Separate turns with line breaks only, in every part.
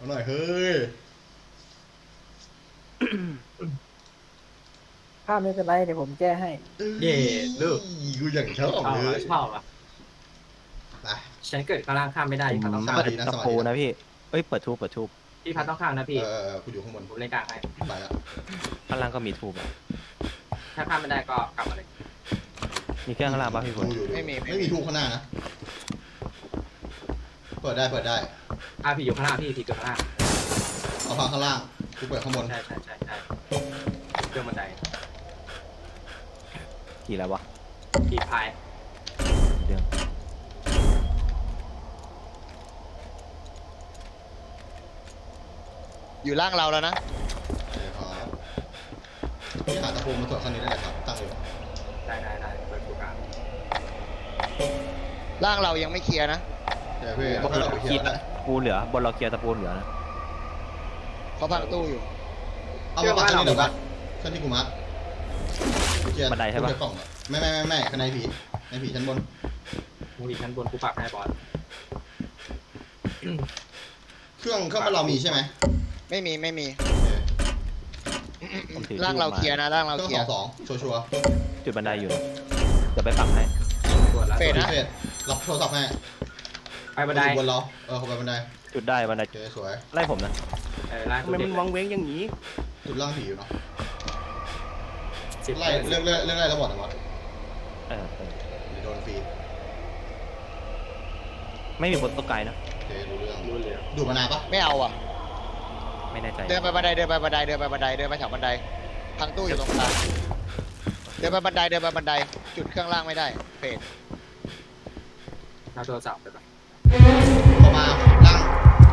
เอาหน่อยเฮ้ย
ภาพไม่เป็นไรเดี๋ยวผมแก้ให้
เย่ลูก
กูอย่างชอบ
ชอบ
เล
อ่ะ
ย
ชอบอ่ะ
ไป
ฉันเกิดข้างล่างข้ามไม่ได้เขาต้อง
ส
ข้าม
วัส
เปิ
ดี
ด
นะ
ตะ
สวัส
ปู
ดีนะ
นะพี่เอ้ยเปิดทูบเปิดทูบ
พี่พัดต้องข้ามนะพี่
กูอยู่ข้างบน
ผมเล่นกลางให้
ไปแล้ว
ข้างล่างก็มีทูบอะ
ถ้าข้ามไม่ได้ก็กลับมาเลย
มีเครื่องข้างล่างป่ะพี่ฝน
ดูอยู่ไม่มีทูบข้างหน้านะเปิดได้
พี่อยู่ข้างล่างพี่อยู่ข้างล่าง
เอาพังข้างล่างกูเปิดข้างบน
ใช่เครื่องบันได
กี่แล้ววะ
พี่พาย
เรื่อง
อยู่ล่างเราแล้วนะ
เดี๋ยวครับพี่หาตะปูมาตรวจข้างนี้ได้เลยครับตั้งอยู่
ได้เปิดกูกลาง
ล่างเรายังไม่เคลียร์นะ
เดี๋ยวพี่ให้เราไปเคลียร์ได้
ตะปูเหลือบนเราเคลียร์ตะปูเหลือนะ
เขาพังตู้อยู่
เอามาปักที่นี่เดี๋ยวบัสชั้นที่กูมัดเคลียร์
บันไดใช่ปะ
เคลียร์กล่องไม่ข้างในผีในผีชั้นบน
มูดีชั้นบนกูปักให้บอส
เครื่องบ้านเรามีใช่ไหม
ไม่มี
ผมถือ
ล่างเราเคลียร์นะล่าง
เค
เรา
รื่อง
เคลียร์
สองชัวร์
จุดบันไดอยู่นะเดี๋ยวไปปักให้
ตรวจแล้ว
เฟดนะ
เฟดรับโทรศัพท์ให้
ไปบันได
บนเราเขาไปบันได
จุดได้บันได
โอเคสวย
ไล่ผมนะ
ล่าง
ทำไมมันวังเว้งอย่างนี้
จุดล่างผีอยู่เนาะ
10
ไล่เรื่องไล่ระบบนะบอส
เออ
เดี๋ยวโดนฟรี
ไม่มีบนโต๊ะไกลนะ
โอเครู้เรื่อง
รู้เลย
ดูมานานปะ
ไม่เอาอ่ะ
ไม่แน่ใจ
เดินไปบันไดเดินไปแถวบันไดพังตู้อยู่ตรงกลางเดินไปบันไดจุดเครื่องล่างไม่ได้เฟด
เอาโทรศัพท์ไปก่อน
เข้ามาล่าง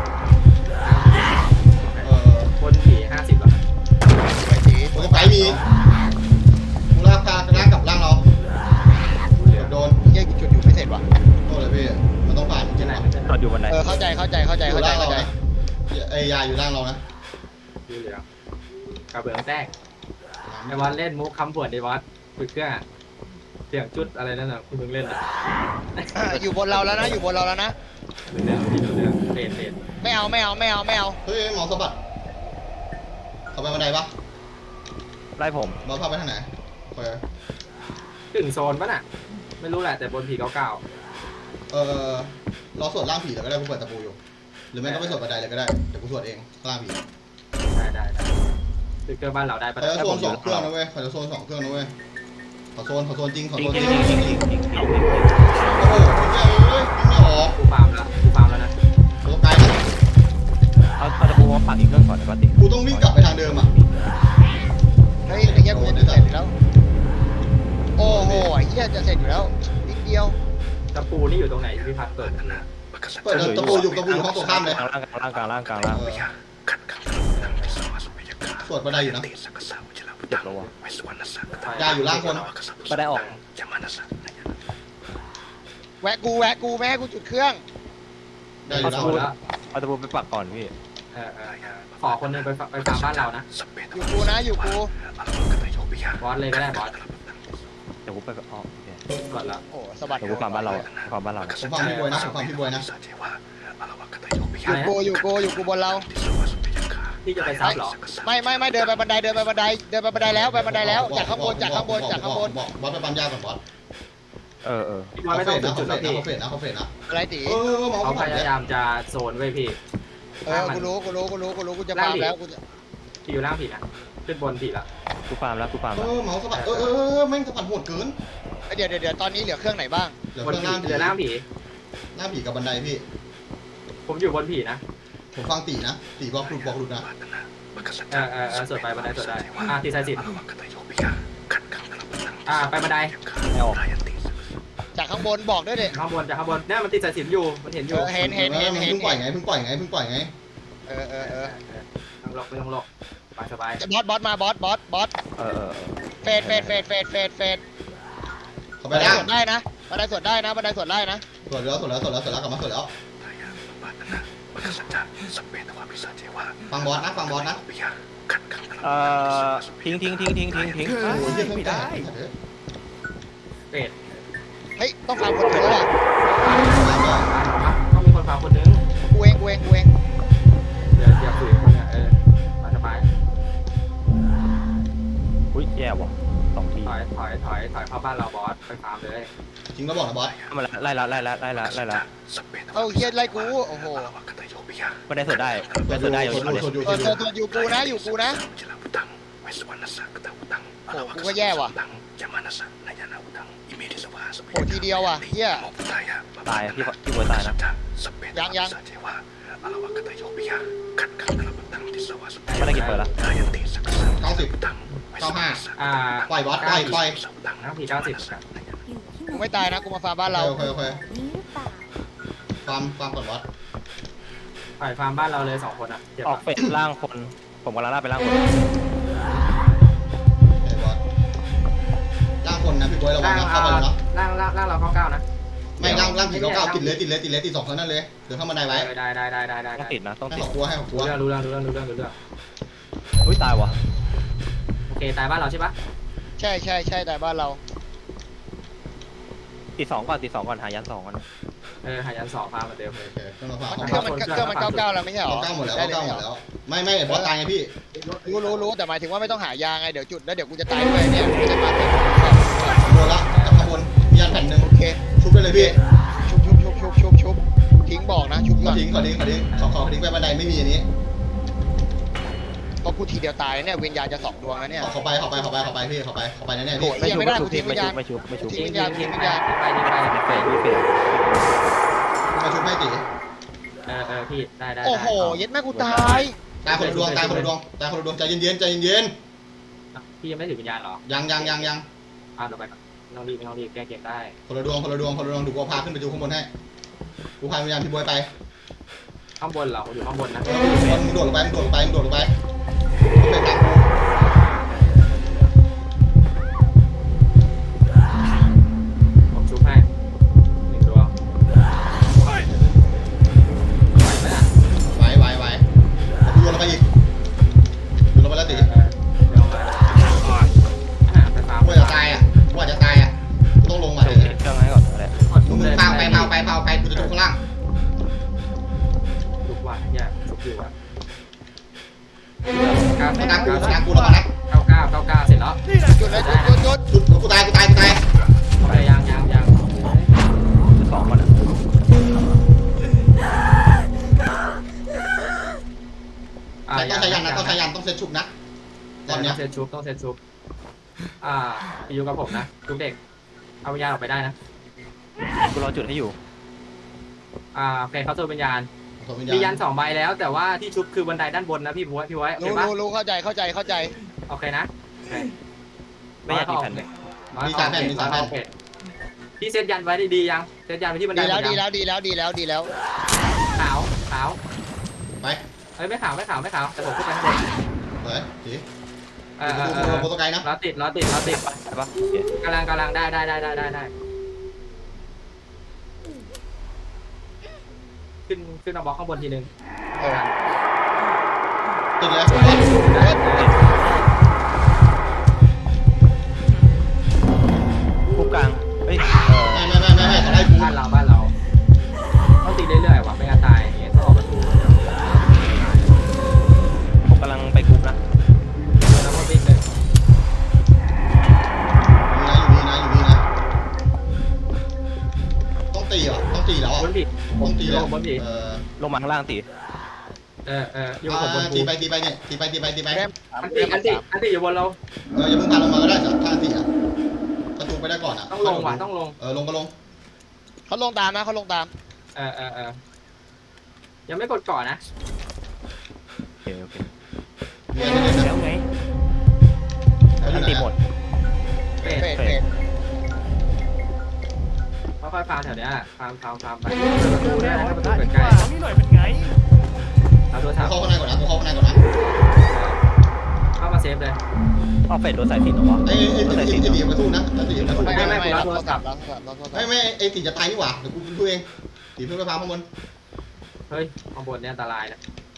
เออบ
นผี50หรอ
ไปสี
ตรงไกลมีกูลากพาล่างกับล่างเราโดน
เยี่ยจุดอยู่ไม่เสร็จว่ะ
โทษเลยพี่มันต้องผ่านจริ
ที่
ง
ไหน
ๆ
มันจะ
จอดอยู่บันได
เข้าใจ
อยู่ล่างเรานะไอ้ยาอยู่ล่างเรานะ
รู้เหลืองกระเบื้องแตกไอ้บอสเล่นมุกคำผวนไอ้บอสฝึกเครื่องเสียงจุดอะไรนั่นน่ะคุณมึงเล่นอ่ะ
อยู่บนเราแล้วนะรู้เรื่อง
เฟด
ไม่เอา
เฮ้ยหมอสะบัดเขาไปบันไดปะ
ไล่ผม
บอสพาไปทางไหนไป
ถึงโซนปะน่ะไม่รู้แหละแต่บนผีเก่า
เราสวดล่างผีเลยก็ได้กูเปิดตะปูอยู่หรือไม่ก็ไปสวดบันไดเลยก็ได้เดี๋ยวกูสวดเองล่างผี
ได้คือเครื่องบ้านเราได้ปะ
เขาจะโซน2เครื่องนะเว้ยเขาจะโซน2เครื่องนะเว้ยขอโซนจริงขอ
ทิ้
โซ
ง
นจ
ทิ้
ริ
ง
ง
ทิ้งทิ้งทิ้งทิ้ง
โอ้โหไม่ออก
กูฟาร์มแล้วนะ
ตัวไกลนะ
เอาตะปูมาปักอีกเครื่องก่อนนะปกติ
กูต้องวิ่งกลับไปทางเดิมอ่ะ
เฮ้ยไอ้เหี้ยกูจะเสร็จอยู่แล้วโอ้โหไอ้เหี้ยจะเสร็จอยู่แล้วนิดเดียว
ตะปูนี่อยู่ตรงไหนพี่พัดเปิด
เปิดตะปูอยู่ห้องตรงข้ามเลย
กลางล่าง
สวดบันไดอยู่นะ
เจ็บแล้ววะ
ยาอยู่ล่างคน
บันไดออก
แวะกูแม่ให้กูจุดเครื่อง
ยาอยู่
ตะ
ล่าง
ปู
คน
แล้ว
เอาตะปูไปปักก่อนพี่
ขอคนนึงไปฟาร์มบ้านเรานะ
อยู่กู
บอสเลยก็ได้บอส
เดี๋ยวกูไปอ๋อโอเค
กดแล้ว
โอ้สะบัด
เดี๋ยวกูฟาร์มบ้านเราฟาร์มบ้านเรา
ผมฟังพี่บวยนะ
อยู่กูบนเรา
ที่จะไปซับหรอ
ไม่เดินไปบันไดแล้วจากข้างบน
บอสไปปั๊มยาก่อนบอส
พี่บอสไม่ต้องจุดแล้วพี่
เขาเฟดนะ
อะไรตี
หมอ
เขา
เขา
พ
ผ่าน
ยายามจะโซนไว้พี่
กูรู้กูจะพาแล้วกูจะ
พี่อยู่ล่างผีนะขึ้นบนผีละ
กูฟาร์มแล้ว
หมอสะบัดแม่งสะบัดโหดเกิน
เดี๋ยวตอนนี้เหลือเครื่องไหนบ้าง
เหลือบ
น
เครื่อง
ผีเหลือล่างผี
หน้าผีกับบันไดพี่
ผมอยู่บนผีนะ
ผมฟังตีนะตีบอกหลุดนะ
สวดไปบันไดสวดได้ตีสายสิบไปบันได
ไม่ออก
จากข้างบนบอกด้วยดิ
ข้างบนจากข้างบนเนี่ยมันติดสายสิบอยู่มันเห็นอยู่
เห็น
เพิ่งปล่อยไง
ต้องหลบไม่ต้องหลบสบาย
บอสมาบอสเฟด
เขาไป
บันได
ล่าง
สวดได้นะบันไดสวดได้นะ
สวดแล้วกลับมาสวดแล้วฟังบอสนะ
ทิ้ง
โอ้ยไม่ได้
เฟด
เฮ้ยต้องฟังคนเดียวแหละ
ต้องมีคนฟังคนนึง
กูเอง
เดี๋ยวอยเข้าบ้านเราบอสไปฟาร์มเลย
จริงก็บอกนะบอส
มาไล่ละไล่ละไล่ละไล่ละ
เอ้าเฮียไล่กูโอ้โห
ไม่ได้สดได้ไม่ได้สดได้อยู่
ชนอยู่
ตัวอยู่กูนะอยู่กูนะโอ้กูก็แย่ว่ะโอ้ทีเดียวอ่ะเฮีย
ตายพี่บอยตายนะ
ยัง
ไม่ได้กินเปิดละ
90 95ปล่อยบอสปล่อย
น้ำผี90
กูไม่ตายนะกูมาฟาร์มบ้านเรา
โอเคฟาร์มก่อนบอส
ปล่อยฟาร์มบ้านเราเลย2คนอ่ะเจ็บ
ออกเฟสล่างคนผมกำลังล่าไปล่างคน
ไอ้บอสล่างคนนะพี่บอยระวังนะเข้าไปแล้ว
ล่างเรา99นะ
ไม่ล่างผี99ติดเลยติด2คนนั่นเลยเดินเข้ามาได้ไว้
ได้
ต้องติดนะต้อง
ให้
ติด
ขอบครัวให้ขอบครัว
รู้เรื่อง
อุ้ยตายวะ
โอเคตายบ้านเราใช่ปะ
ใช่แต่บ้านเรา
ติด2ก่อนหายัน2ก่อน
หายัน2ฟาร์มเหมือนเดิมเลย
โอเคเครื่องมาฝาก
เครื่องมัน99แล้วไม่ใช่หรอ
99หมดแล้ว99หมดแล้วไม่บอสตายไงพี่
รู้แต่หมายถึงว่าไม่ต้องหายาไงเดี๋ยวจุดแล้วเดี๋ยวกูจะตายด้วยเนี่ยกูจะมาเป็น
โดนละจากข้างบนมียันแผ่นหนึ่ง
โอเค
ชุบได้เลยพี่
ชุบทิ้งบอกนะชุบก่อน
ทิ้งขอทิ้งไปบันไดไม่มีอันนี้
เพราะกูทีเดียวตายเนี่ยวิญญาณจะ2 ดวงแล้วเนี่ย
เข้าไปพี่เข้าไปแน่ๆพี่
ไม่ชุบไม่ชุบ
ทิ้งไปเฟด
มาชุบให้ตี
พี่ได้
โอ้โหเย็ดแม่กูตาย
ตายคนละดวงใจเย็น
พี่ยังไม่ถึงวิญญาณหรอ
ยัง
ต่อไปไม่ต้องรีบแก้เกมได้
คนละดวงดูกูพาขึ้นไปดูข้างบนให้กูพาวิญญาณพี่บอยไป
ข้างบนเหรออยู่ข้างบนนะ
มึงโดดลงไปเป็นตามกู
ผมชุบให้1 ดวงไหวไหมอ่ะ
ไหวกูโยนลงไปอีกโยนลงไปแล้วตี
เดี๋ยวมาไปฟาร์ม
ว่าจะตายอ่ะต้องลงมา
เครื่องให้ก่อนเลย
มึงเผาไปกูจะจุกข้างล่าง
ชุบว่ะแย่ชุบอยู่อ่ะ
ตามกูลงมานะ
99เสร็จแล้ว
จุดเลยจุด
จุดกูตาย
ไปยัง
2ก่อนนะ
ต้องใช้ยันต้องเซตชุบนะตอนเนี้ย
ต้องเซตชุบอยู่กับผมนะทุกเด็กเอาวิญญาณออกไปได้นะ
กูรอจุดให้อยู่
โอเคเขาตัววิญญาณมียัน2 ใบแล้วแต่ว่าที่ชุบคือบันไดด้านบนนะพี่ไว้โอเคปะ
รู้เข้าใจ
โอเคนะ
ไม่อยากมีแผ่นเลย
มี3 แผ่น
พี่เซตยันไว้ดียังเซตยันไว้ที่บันได
ดีแล้ว
ขาว
ไป
ไม่ขาวแต่ผมขึ้นไปข้างบน
เลยตี
ดู
โปรโตไกด์นะ
ล้อติด
ใช่ปะ
กำลังได้ขึ้นมาบล็อกข้างบนทีนึง
ติดเลย
คู่กลางเฮ้ย
ไม่เขาไล่กู
บ้านเราต้องตีเรื่อยๆว่ะไม่งั้นตายอย่างเงี้ยต้องออกประตู
ผมกำลังไปกรุ๊ปนะ
แล้วก็วิ่งเลย
อยู่นี่นะต้องตีแล้ว
บนผิด
ต้องตีแล้ว
บนผิด
ลงมาข้างล่างตี
อยู่ผมบน
ตี
ภู
ไปเนี่ยตีไป
อันติอยู่บนเรา
อย่าเพิ่งพาลงมาก็ได้ถ้าตีอ่ะประตูไปได้ก่อนอ่ะ
ต้องลงว่ะต้องลง
ลงก็ลง
เขาลงตามนะเขาลงตาม
ยังไม่กดก่อนนะ
โอเค
มีอะไรเล่นนะ
แล้วไง
อันตีหมด
เฟด
เฟด
ค่อยๆฟาร์มแถวเนี้ยฟาร์มไป
ดูแล
ถ้า
ว่า
ประตู
ได้
เปิด
ดี
ใก
ก
ล้
ว่านี่หน่อยเป็นไง
เอาตัวถาม
เข้าข้างในก่อนนะ
เข้ามาเซฟเลย
ออกเฟสโดนสายสินหรอวะ
ไอ้ตีอย่าไปสู้นะตีอย่าไปสู้
ไม่เราโทรศัพท์
ไม่ไอ้ตีจะตายนี่หว่าเดี๋ยวกูดูเองตีเพื่อนไปพาข้างบน
เฮ้ยข้างบนเนี่ยอันตรายนะ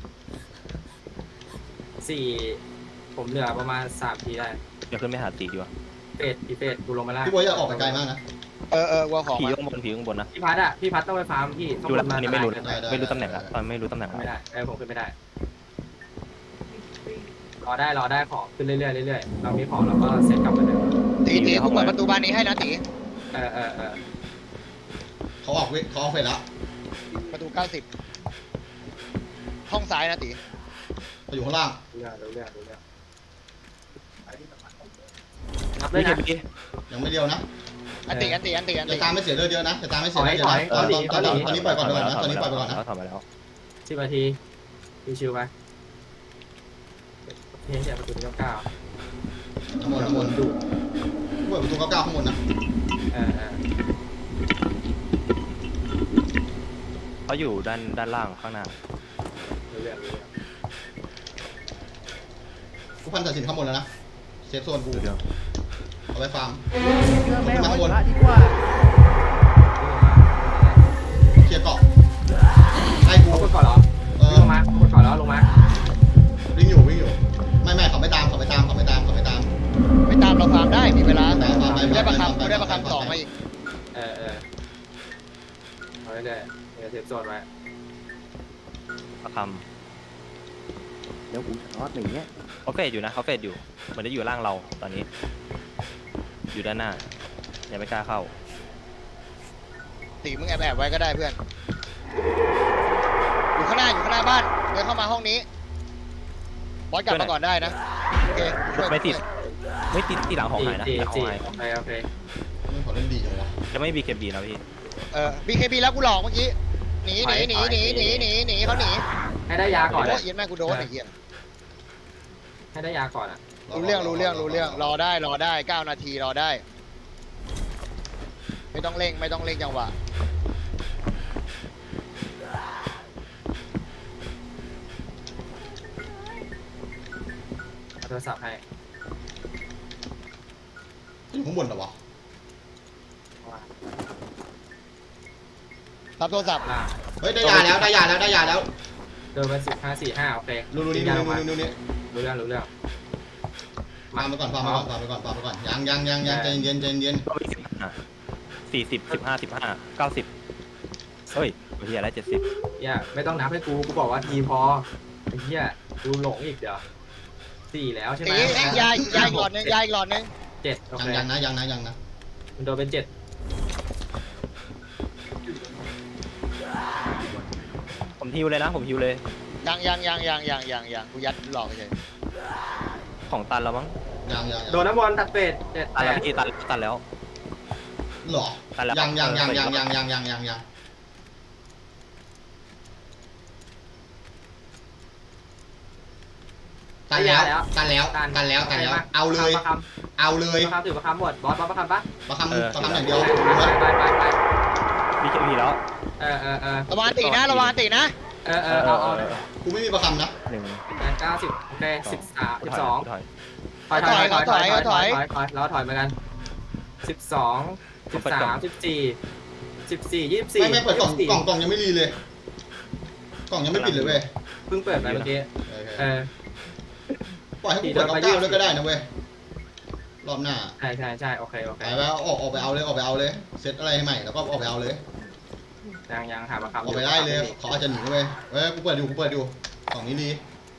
4ผมเหลือประมาณ3 ทีได้
เดี๋ยวขึ้นไปหาตีดีกว่า
เฟดกูลงมาล่าง
พี่บอยอย่าออกไปไกลมากนะ
วัวของ
ผีข้างบนนะ
พี่พัดต้องไปฟาร์มพี่
ดูแล้วอันนี้ไม่รู้
ต
ตำแหน่งละตอนไม่รู้ตำแหน่ง
ไม่ได้ผมขึ้นไม่ได้รอได้ของขึ้นเรื่อยๆเรื่อยๆเรามีของเราก็เซ็ตกลับมาเดิม
ตีกูเปิดประตูบานนี้ให้นะตี
เออ
เขาออกเฟสแล้ว
ประตู90ห้องซ้ายนะตี
เขาอยู่ข้างล่าง
เรื่องนับเล
พี่
ย
เค
นะ
บี
ยังไม่เดียวนะ
อันตี
อย่าตามไม่เสียเลือดเยอะนะอย่าตามไม่เสียเลือดเยอะนะตอนนี้ปล่อยก่อนนะตอนนี้ปล่อยไปก่อนนะ
ถอยมาแล้ว
10 นาทีชิวๆไปเฮ้ยประตูที่9
น้ำมนต์ดูเปิดประตู99ข้างบนนะ
เออ
เขาอยู่ด้านล่างข้างหน้า
เรื่อง
กูพันสายสินข้างบนแล้วนะเซฟโซนกู
เรื่อง
เอาไปฟาร์ม
เชื่อแม่เอาไว้พระดีกว่า
เคลียร์เกาะไอ้กู
เขากดก่อนเหรอ ลงมากดก่อนแล้วลงมา
วิ่งอยู่ไม่เขาไม่ตาม
ไม่ตามเราฟาร์มได้มีเวลาแต่ได้ประคำ2มาอีก
เออเอาเรื่อยๆเซฟโซนไว้
ประค
เดี๋ยวกูจะรอดอย่างเงี้ย
ำเขาเฟดอยู่นะเขาเฟดอยู่เหมือนจะอยู่ล่างเราตอนนี้ อยู่ด้านหน้ายังไม่กล้าเข้า
ตีมึงแอบไว้ก็ได้เพื่อนอยู่ข้างหน้าบ้านเดินเข้ามาห้องนี้บอสกลับมาก่อนได้นะโอเคช่วย
ไม่ติดที่หลังของหายนะที่หลังของหาย
โอเค
ไม่ขอเล่นดีจังวะ
จะไม่มีเคบีนะพี่
BKB แล้วกูหลอกเมื่อกี้หนีเขาหนี
ให้ได้ยาก่อน
โอ้ยแม่กูโดนไอ้เหี้ย
ให้ได้ยาก่อนอ่ะ
รู้เรื่องรอได้9 นาทีรอได้ไม่ต้องเร่งจังหวะ
โทรศัพท์ให้
อยู่ข้างบนเหรอวะ
รับโทรศัพท์
ล่าง
เฮ้ยได้ยาแล้ว
เดินไป15-4-5โอเค
รู้นี่
รู้เรื่อง
ฟาร์มไปก่อนยังใจเย็น
ก็มี40 90 เฮ้ยเฮียแล้ว70
อย่าไม่ต้องนับให้กูบอกว่าทีพอไอ้เหี้ยดูหลงอีกเดี๋ยว4แล้วใช่ไหม
ตียาอีกหลอดนึง
7โอเค
ยังนะ
มันโดนเป็น7
ผมฮิวเลยนะผมฮิวเลย
ยังกูยัดหลอกเฉย
ของตันแล้วมั้ง
ยัง
โดนน้ำบอลตัดเป็ด7
ตันแล้วพี่ตันแล้ว
หรอยังตันแล้วเอาเลย
ประคำถือประคำหมดบอสประคำปะ
ประคำอย่างเดียว
ไป
มีเคบีแล้ว
ระวังตีนะเอา
กูไม่มีประคำนะ
90โอเค13 12
ถอย
ถอยแล้วถอยมากัน12 13 14 24
ไม่เปิดกล่องยังไม่รีเลยกล่องยังไม่ปิดเลยเว้ย
เพิ่งเปิดไปเมื่อกี้
ปล่อยให้กูเปิด99ด้วยก็ได้นะเว้ยรอบหน้า
ใช่โอเค
ไปแล้วออกไปเอาเลยเซตอะไรให้ใหม่แล้วก็ออกไปเอาเลย
ยังหาประคำ
ออกไปได้เลยเขาอาจจะหนีเว้ยกูเปิดอยู่กล่องนี้ดี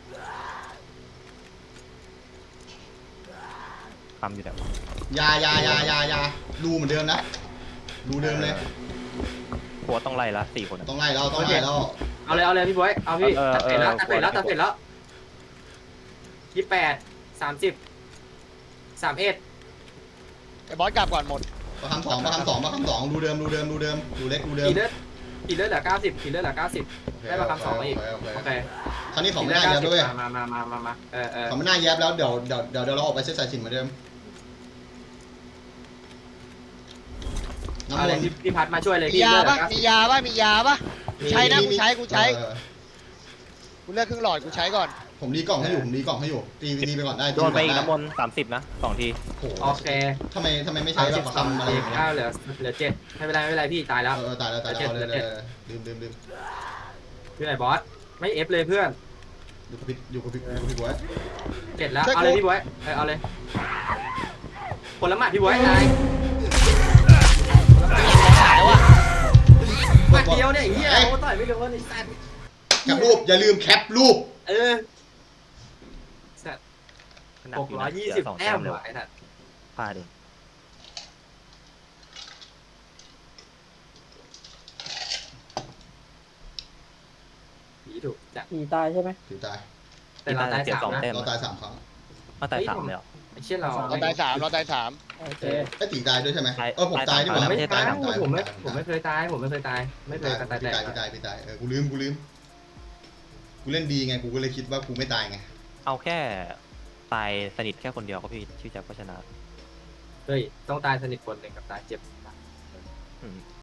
ทำอยู่แต่
ยาดูเหมือนเดิมนะดูเดิมเลย
หัวต้องไล่ละ4 คน
ต้องไล่แล้ว
เอาเลยพี่บอยเอาพี่ตัดเป็ดแล้ว28 30 31
ไอ้บอสกลับก่อนหมด
ประคำ2ดูเดิมดูเล็กดูเดิม
ขี่เลือดเหลือ90ขี่เลือดเหลือ90ได้ประคำ2มาอีกโอเค
คราวนี้ของไม่น่าแยบด้วย
มา
ของไม่น่าแยบแล้วเดี๋ยวเราออกไปเซตสายสินเหมือนเดิมน้ำ
เอา
ม
เลย
นต์
พี่พัดมาช่วยเลย
มียาปะกูใช้นะกูใช้กูเลือกครึ่งหลอดกูใช้ก่อน
ผมดีกล่องให้อยู่ตีไปก่อนได้
โดนไปอีกน้ำมนต์30นะ2 ที
โอเค
ทำไมไม่ใช้แบบประคำอะไรอย่างเงี้ย
เหลือ7ไม่เป็นไรพี่ตายแล้ว
ตายแล้วเลยลืม
พี่ไหนบอสไม่เอฟเลยเพื่อน
อยู่กับพี่บวย
7แล้วเอาเลยพี่บอยเอาเลยคนละหมัดพี่บอยตาย
หายว่ะ
หมัดเดียวเนี่ยไอ้เหี้ยโอ้ต่อยไม่โดนไอ้สัตว์
แคปรูปอย่าลืมแคปรูป
สัตว์
หนักอยู่นะเสียสอง
620แต้
แต้
ม
มเลย
ว่ะไอ้นั่น
พลาดเอง
ผีถูกจัด
ผีตายใช่ไหม
ถือตาย
แต่เราตาย
เสีย
สาม
สอง
นะ
แต้ม
เราตาย3 ครั้ง
มาตายสามเลยเหรอ
ไอ้เชี่ยเรา
เราตายสามเราตายสาม
โอเค
ไอ้ตีตายด้วยใช่ไหม
ตาย
ผมตายนี่ห
ผม
ว่า
ไม่
ใช่
ตาย
ผมตาย
ผมไม่เคยตายผมไม่เคยตายไม่เคยตาย
พี่
แต
ตาย
ก
พี่ตายพี่ตายกูลืมกูเล่นดีไงกูก็เลยคิดว่ากูไม่ตายไง
เอาแค่ตายสนิทแค่คนเดียวก็พี่ชื่อแจ็คก็ชนะ
เฮ้ยต้องตายสนิทคนหนึ่งกับตายเจ็บ
อืม